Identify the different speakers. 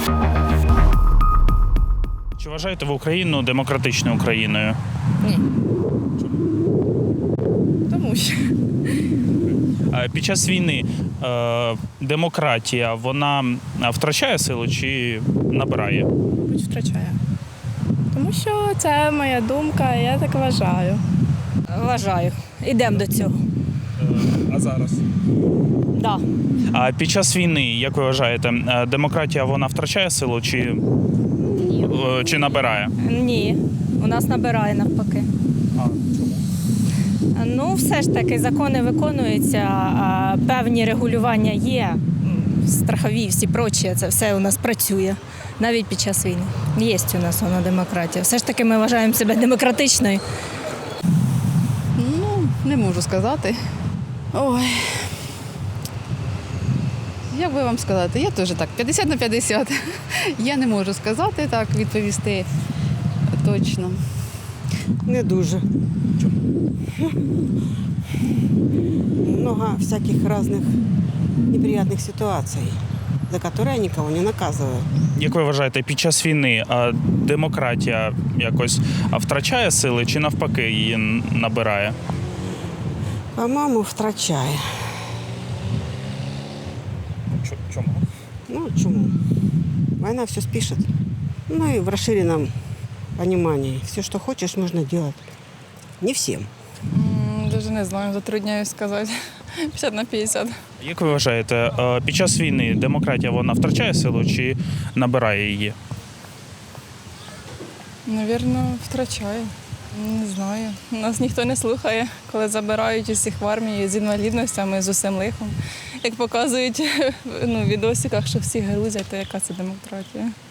Speaker 1: Чи вважаєте ви Україну демократичною Україною?
Speaker 2: Ні. Тому що.
Speaker 1: Під час війни демократія, вона втрачає силу чи набирає?
Speaker 2: Мабуть, втрачає. Тому що це моя думка, я так вважаю.
Speaker 3: Вважаю. Ідемо до цього.
Speaker 1: А зараз?
Speaker 3: Да.
Speaker 1: А під час війни, як ви вважаєте, демократія, вона втрачає силу чи набирає?
Speaker 3: Ні. У нас набирає навпаки. Ну, все ж таки, закони виконуються, а певні регулювання є, страхові, всі прочі, це все у нас працює, навіть під час війни. Є у нас вона демократія. Все ж таки ми вважаємо себе демократичною.
Speaker 4: Ну, не можу сказати. Ой. Як би вам сказати, я теж так, 50 на 50. Я не можу сказати так, відповісти точно.
Speaker 5: Не дуже. Много всяких разных неприятных ситуаций, за которые я никого не наказываю.
Speaker 1: Як ви вважаєте, під час війни демократія якось втрачає сили чи навпаки її набирає?
Speaker 5: По-моему, втрачає.
Speaker 1: Чому?
Speaker 5: Ну, чему? Война все спишет. Ну и в расширенном понимании. Все, что хочешь, можно делать. Не всем.
Speaker 2: Дуже не знаю, затрудняюсь сказати. 50 на 50.
Speaker 1: Як ви вважаєте, під час війни демократія, вона втрачає силу чи набирає її?
Speaker 2: Навірно, втрачає. Не знаю. Нас ніхто не слухає, коли забирають усіх в армії з інвалідностями, з усім лихом. Як показують в відосиках, що всі грузять, то яка це демократія?